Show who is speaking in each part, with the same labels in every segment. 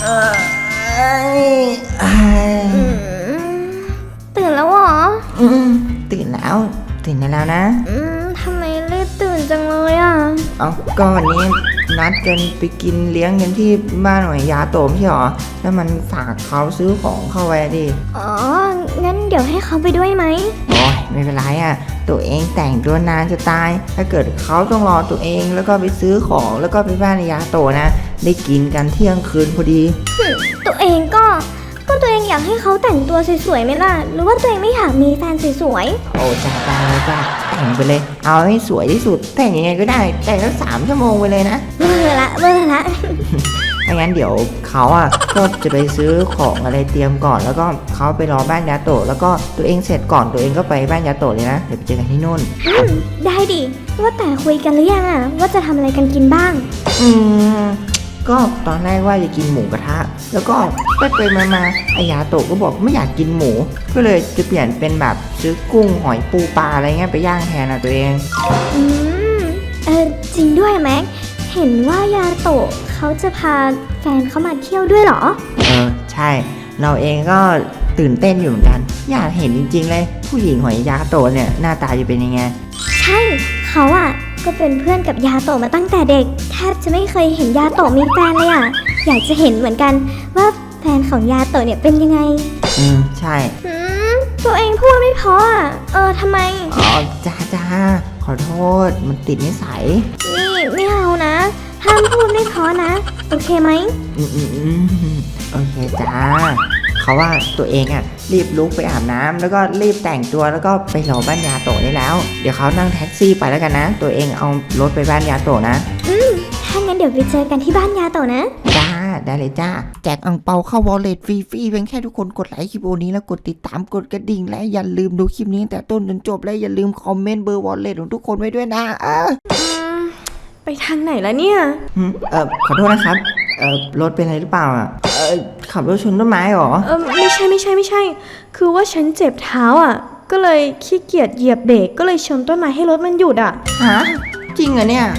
Speaker 1: ตื่นแล้วเหรอ
Speaker 2: ตื่นแล้วแล้วนะ
Speaker 1: ทำไมรีบตื่นจังเลยอ่ะ
Speaker 2: ก็วันนี้นัดกันไปกินเลี้ยงกันที่บ้านหน่วยยาโตมใช่หรอแล้วมันฝากเขาซื้อของเข้าไว้ดิ
Speaker 1: งั้นเดี๋ยวให้เขาไปด้วยไหม
Speaker 2: โอ้ยไม่เป็นไรอ่ะตัวเองแต่งตัวนานจะตายถ้าเกิดเขาต้องรอตัวเองแล้วก็ไปซื้อของแล้วก็ไปบ้านยาโตนะได้กินกันเที่ยงคืนพอดี
Speaker 1: ตัวเองก็ตัวเองอยากให้เขาแต่งตัวสวยๆไหมล่ะหรือว่าตัวเองไม่อยากมีแฟนสวย
Speaker 2: ๆโอ้จ้าเลยจ้าแต่งไปเลยเอาให้สวยที่สุดแต่งยังไงก็ได้แต่งสัก3 ชั่วโมงไปเลยนะ
Speaker 1: เบอร์ละ
Speaker 2: ถ้างั้นเดี๋ยวเขาก็จะไปซื้อของอะไรเตรียมก่อนแล้วก็เขาไปรอบ้านยาโตะแล้วก็ตัวเองเสร็จก่อนตัวเองก็ไปบ้านยาโตะเลยนะเดี๋ยวไปเจอกันที่นู่น
Speaker 1: ได้ดิว่าแต่คุยกันหรือยังว่าจะทำอะไรกันกินบ้าง
Speaker 2: ก็ตอนแรกว่าจะกินหมูกระทะแล้วก็ไปมาอายาโตะก็บอกไม่อยากกินหมูก็เลยจะเปลี่ยนเป็นแบบซื้อกุ้งหอยปูปลาอะไรเงี้ยไปย่างแทนตัวเอง
Speaker 1: จริงด้วยแม็กเห็นว่ายาโตะเขาจะพาแฟนเขามาเที่ยวด้วยเหรอ
Speaker 2: ใช่เราเองก็ตื่นเต้นอยู่เหมือนกันอยากเห็นจริงๆเลยผู้หญิงหอยยาโตะเนี่ยหน้าตาจะเป็นยังไง
Speaker 1: ใช่เขาก็เป็นเพื่อนกับยาโตะมาตั้งแต่เด็กแทบจะไม่เคยเห็นยาโตะมีแฟนเลยอยากจะเห็นเหมือนกันว่าแฟนของยาโตะเนี่ยเป็นยังไง
Speaker 2: ใช่
Speaker 1: ตัวเองพูดไม่พอทำไม
Speaker 2: จ้าขอโทษมันติดนิสัย
Speaker 1: นี่ไม่เอานะห้ามพูดไม่พอนะโอเคไหม
Speaker 2: โอเคจ้าเขาว่าตัวเองรีบลุกไปอาบน้ำแล้วก็รีบแต่งตัวแล้วก็ไปรอบ้านยาโตะได้แล้วเดี๋ยวเขานั่งแท็กซี่ไปแล้วกันนะตัวเองเอารถไปบ้านยาโตะนะ
Speaker 1: ถ้างั้นเดี๋ยวไปเจอกันที่บ้านยาโตะนะ
Speaker 2: จ้าได้เลยจ้าแจกอั่งเปาเข้าวอลเล็ตฟรีเพียงแค่ทุกคนกดไลค์คลิปนี้แล้วกดติดตามกดกระดิ่งและอย่าลืมดูคลิปนี้ตั้งแต่ต้นจนจบและอย่าลืมคอมเมนต์เบอร์วอลเล็ตของทุกคนไว้ด้วยนะ
Speaker 1: ไปทางไหนแล้วเนี่ย
Speaker 2: ขอโทษนะครับรถเป็นอะไรหรือเปล่าขับรถชนต้นไม้หรอ
Speaker 1: ไม่ใช่คือว่าฉันเจ็บเท้าก็เลยขี้เกียจเหยียบเบรกก็เลยชนต้นไม้ให้รถมันหยุด
Speaker 2: ฮะจริงเหรอเนี่ย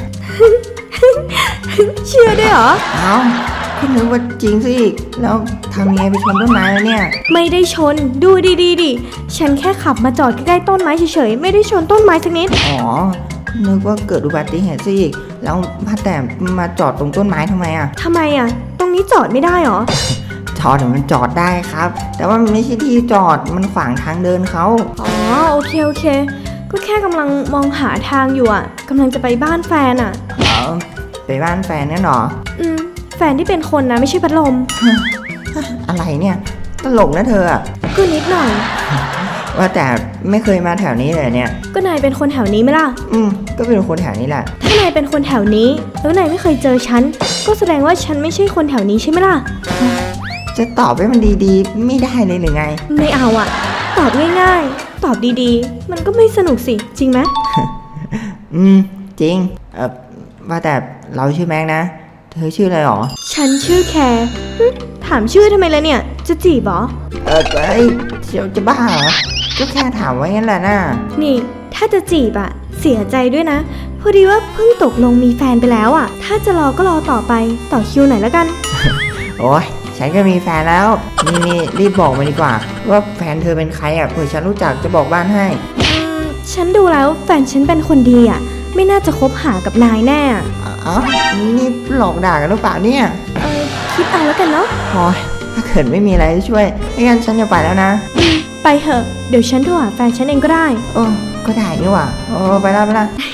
Speaker 1: เชื่อได้เหรอ
Speaker 2: ก็นึกว่าจริงสิแล้วทำยังไงไปชนต้นไม้แล้วเนี่ย
Speaker 1: ไม่ได้ชนดูดีดิฉันแค่ขับมาจอดใกล้ๆต้นไม้เฉยๆไม่ได้ชนต้นไม้สักนิด
Speaker 2: นึกว่าเกิดอุบัติเหตุซะอีกแล้วแต่มาจอดตรงต้นไม้ทำไม
Speaker 1: ทำไมตรงนี้จอดไม่ได้หรอ
Speaker 2: จอดมันจอดได้ครับแต่ว่ามันไม่ใช่ที่จอดมันขวางทางเดินเขา
Speaker 1: โอเคก็แค่กำลังมองหาทางอยู่กำลังจะไปบ้านแฟน
Speaker 2: ไปบ้านแฟนเนี่ยหรอ
Speaker 1: แฟนที่เป็นคนนะไม่ใช่พัดลม
Speaker 2: อะไรเนี่ยตลกนะเธอ
Speaker 1: ก็นิดหน่อย
Speaker 2: ว่าแต่ไม่เคยมาแถวนี้เลยเนี่ย
Speaker 1: ก็นายเป็นคนแถวนี้ไหมล่ะ
Speaker 2: ก็เป็นคนแถวนี้แหละ
Speaker 1: ถ้านายเป็นคนแถวนี้แล้วนายไม่เคยเจอฉันก็แสดงว่าฉันไม่ใช่คนแถวนี้ใช่ไหมล่ะ
Speaker 2: จะตอบให้มันดีๆไม่ได้เลยหรือไง
Speaker 1: ไม่เอาตอบง่ายๆตอบดีๆมันก็ไม่สนุกสิจริงไหม
Speaker 2: จริงว่าแต่เราชื่อแม็กนะเธอชื่ออะไรหรอ
Speaker 1: ฉันชื่อแคร์ถามชื่อทำไมล่ะเนี่ยจะจีบหรอ
Speaker 2: เชียวจะบ้าเหรอก็แค่ถามไว้งั้นแหละนะ
Speaker 1: นี่ถ้าจะจีบเสียใจด้วยนะพอดีว่าเพิ่งตกลงมีแฟนไปแล้วถ้าจะรอก็รอต่อไปต่อคิวหน่อยแล้วกัน
Speaker 2: โอ้ยฉันก็มีแฟนแล้วนี่รีบบอกมาดีกว่าว่าแฟนเธอเป็นใครเผื่อฉันรู้จักจะบอกบ้านให้
Speaker 1: ฉันดูแล้วแฟนฉันเป็นคนดีไม่น่าจะคบหากับนายแน่
Speaker 2: นี่หลอกด่ากันหรือเปล่าเนี่ย
Speaker 1: คิดเอาแล้วกันเนาะ
Speaker 2: โอ้ยถ้าเกิดไม่มีอะไรช่วยงั้นฉันจะไปแล้วนะ
Speaker 1: ไปเถอะเดี๋ยวฉันโทรหาแฟนฉันเองก็ได้
Speaker 2: ก็ได้นี่หว่าไปละ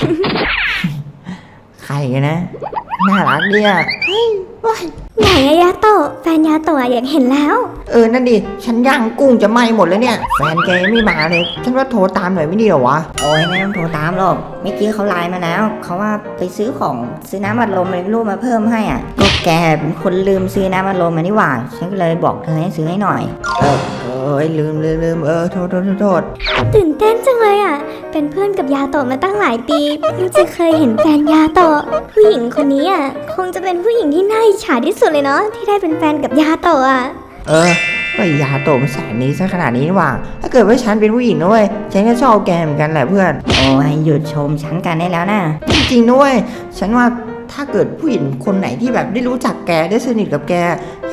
Speaker 2: ใครกันนะน่ารักดี
Speaker 1: ไหนยาโตะแฟนยาโตะอยากเห็นแล้ว
Speaker 2: นั่นดิฉันย่างกุ้งจะไหม้หมดแล้วเนี่ยแฟนแกไม่มาเลยฉันว่าโทรตามหน่อยไม่ดีหรอวะ
Speaker 3: โอ้ยไม่ต้องโทรตามหรอกเมื่อกี้เขาไลน์มาแล้วเขาว่าไปซื้อน้ำอัดลมอะไรไม่รู้มาเพิ่มให้ก็แกเป็นคนลืมซื้อน้ำอัดลมมานี่หว่าฉันก็เลยบอกเธอให้ซื้อให้หน่อย
Speaker 2: ลืมโทษ
Speaker 1: ตื่นเต้นจังเลยเป็นเพื่อนกับยาโตะมาตั้งหลายปีเพิ่งจะเคยเห็นแฟนยาโตะผู้หญิงคนนี้คงจะเป็นผู้หญิงที่น่าอิจฉาที่สุดเลยเนาะที่ได้เป็นแฟนกับยาโตะ
Speaker 2: ก็ยาโตะมันแสนนี้ซะขนาดนี้นี่หว่าถ้าเกิดว่าฉันเป็นผู้หญิงด้วยฉันก็ชอบแกเหมือนกันแหละเพื่อน
Speaker 3: โอ้ยหยุดชมฉันกันได้แล้วนะ
Speaker 2: จริงๆด้วยฉันว่าถ้าเกิดผู้หญิงคนไหนที่แบบได้รู้จักแกได้สนิทกับแกยังไง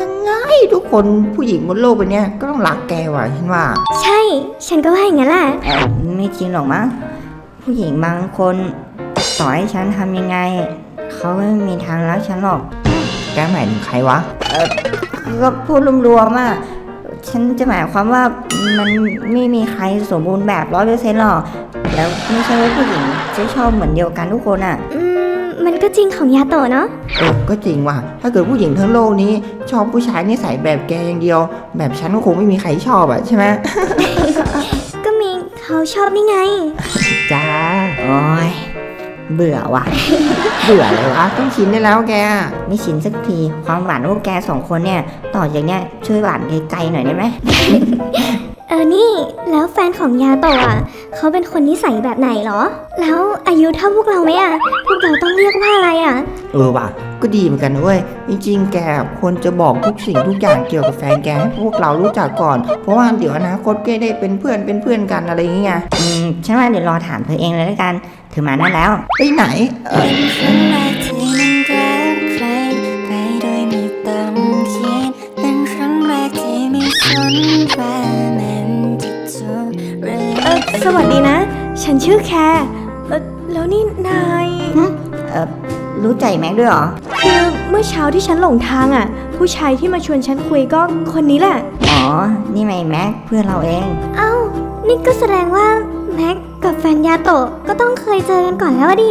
Speaker 2: ทุกคนผู้หญิงบนโลกใบเนี้ยก็ต้องรักแกว่ะฉันว่า
Speaker 1: ใช่ ฉันก็ว่าอย่างนั้นแหละ
Speaker 3: ไม่จริงหรอกมั้งผู้หญิงบางคนต่อให้ฉันทำยังไง เขาไม่มีทางรักฉันหรอก
Speaker 2: แกหมายถึงใครวะ
Speaker 3: ก็พูดรวมๆอ่ะฉันจะหมายความว่ามันไม่มีใครสมบูรณ์แบบ100%หรอกแล้วไม่ใช่ว่าผู้หญิงจะชอบเหมือนเดียวกันทุกคนอ่ะ
Speaker 1: มันก็จริงของยาโตะเนาะ
Speaker 2: ก็จริงว่ะถ้าเกิดผู้หญิงทั้งโลกนี้ ชอบผู้ชายนิสัยแบบแกอย่างเดียว แบบฉันก็คงไม่มีใครชอบอ่ะใช่ไหม
Speaker 1: ก็มีเขาชอบนี่ไง
Speaker 2: จ้า
Speaker 3: โอ้ยเบื่อว่ะ
Speaker 2: เบื่อเลยวะต้องชินได้แล้วแก
Speaker 3: ไม่ชินสักทีความหวานพวกแกสองคนเนี่ยต่อจากเนี้ยช่วยหวานไกลๆหน่อยได้ไหม
Speaker 1: นี่แล้วแฟนของยาโตะอ่ะเขาเป็นคนนิสัยแบบไหนเหรอ แล้วอายุเท่าพวกเราไหมอ่ะ พวกเราต้องเรียกว่าอะไรอ่ะ
Speaker 2: ว่ะก็ดีเหมือนกันนะเว้ยจริงๆแกควรจะบอกทุกสิ่งทุกอย่างเกี่ยวกับแฟนแกให้พวกเรารู้จักก่อน เพราะว่าเดี๋ยวอนาคตแกได้เป็นเพื่อนกันอะไรอย่างเงี้ย
Speaker 3: ฉันว่าเดี๋ยวรอถามเธอเองเลยแล้วกันเธอมานั่นแล้ว
Speaker 2: ไปไหน
Speaker 4: เป็นครั้งแรกที่มันรักใครไปโดยไม่ต้องคิดเป็นครั้งแรกที่ไม่สนว่ามันจะจบหรือ
Speaker 5: สวัสดีนะ ฉันชื่อแคร์แล้วนี่นาย
Speaker 3: รู้ใจแม็กด้วยเหรอ
Speaker 5: คือเมื่อเช้าที่ฉันหลงทางอ่ะ ผู้ชายที่มาชวนฉันคุยก็คนนี้แหละ
Speaker 3: อ๋อ นี่ไม่แม็กเพื่อนเราเอง
Speaker 1: เอ้า นี่ก็แสดงว่าแม็กกับแฟนยาโตะก็ต้องเคยเจอกันก่อนแล้วอะดิ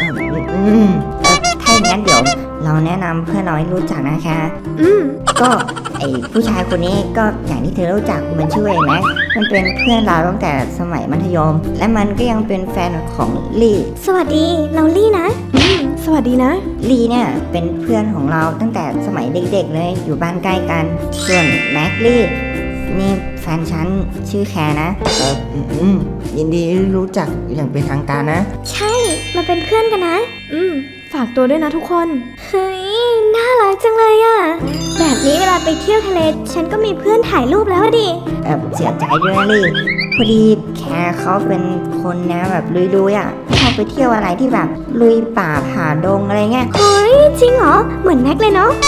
Speaker 3: ถ้าอย่างนั้นเดี๋ยวเราแนะนำเพื่อนเราให้รู้จักนะคะ
Speaker 5: อืม
Speaker 3: ก็ไอผู้ชายคนนี้ก็อย่างที่เธอรู้จักมันชื่อไอ้แม็กมันเป็นเพื่อนเราตั้งแต่สมัยมัธยม และมันก็ยังเป็นแฟนของลี่
Speaker 1: สวัสดี เราลี่นะ
Speaker 5: สวัสดีนะ
Speaker 3: ลี่เนี่ยเป็นเพื่อนของเราตั้งแต่สมัยเด็กๆเลยอยู่บ้านใกล้กัน ส่วนแม็กลี่นี่แฟนฉันชื่อแคร์นะ
Speaker 2: ยินดีรู้จักอย่างเป็นทางการนะ
Speaker 1: ใช่ มาเป็นเพื่อนกันนะ
Speaker 5: ฝากตัวด้วยนะทุกคน
Speaker 1: เฮ้ย น่ารักจังเลยอะแบบนี้เวลาไปเที่ยวทะเล ฉันก็มีเพื่อนถ่ายรูปแล้วอะดิ
Speaker 3: เสียใจด้วยนะลี่พอดีแคร์เขาเป็นคนนะแบบลุยๆอ่ะชอบไปเที่ยวอะไรที่แบบลุยป่าผ่าดงอะไรเงี้ย
Speaker 1: เฮ้ย จริงเหรอ เหมือนแม็กเลยเนาะ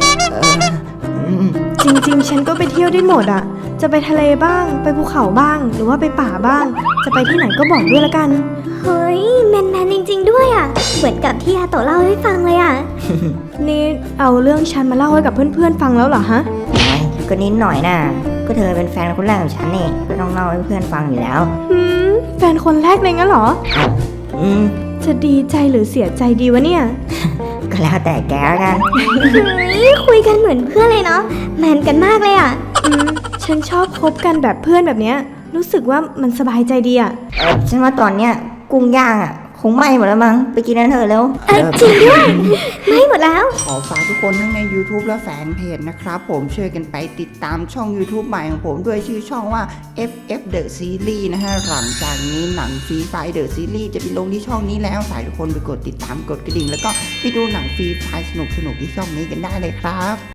Speaker 5: จริงๆ ฉันก็ไปเที่ยวได้หมดอ่ะ จะไปทะเลบ้าง ไปภูเขาบ้าง หรือว่าไปป่าบ้าง จะไปที่ไหนก็บอกด้วยละกัน
Speaker 1: เฮ้ย แมนจริง ๆ ด้วยอะเหมือนกับที่ยาโตะเล่าให้ฟังเลยอะ
Speaker 5: นี่เอาเรื่องฉันมาเล่าให้กับเพื่อนๆฟังแล้วเหรอฮะ
Speaker 3: โอ้ยก็นิดหน่อยนะก็เธอเป็นแฟนคนแรกของฉันนี่ก็ต้องเล่าให้เพื่อนฟังอยู่แล้ว
Speaker 5: แฟนคนแรกเลยงั้นเหรอ
Speaker 3: อืม
Speaker 5: จะดีใจหรือเสียใจดีวะเนี่ย
Speaker 3: ก็แล้วแต่แกแล้วกัน
Speaker 1: เฮ้ย คุยกันเหมือนเพื่อนเลยเนาะ แมนกันมากเลยอะ
Speaker 5: ฉันชอบคบกันแบบเพื่อนแบบเนี้ย รู้สึกว่ามันสบายใจดีอ่ะ
Speaker 3: ฉันว่าตอนเนี้ยกุ้งย่างอ่ะคงไหม้หมดแล้วมั้งไปกินนั้นเถอะแล้ว
Speaker 1: จริงด้วย ไม่หมดแล้ว
Speaker 2: ขอฝากทุกคนทั้งใน YouTube และแฟนเพจนะครับผมช่วยกันไปติดตามช่อง YouTube ใหม่ของผมด้วยชื่อช่องว่า FF The Series นะฮะหลังจากนี้หนังฟรีไฟ The Series จะไปลงที่ช่องนี้แล้วฝากทุกคนไปกดติดตามกดกระดิ่งแล้วก็ไปดูหนังฟรีไฟสนุกๆที่ช่องนี้กันได้เลยครับ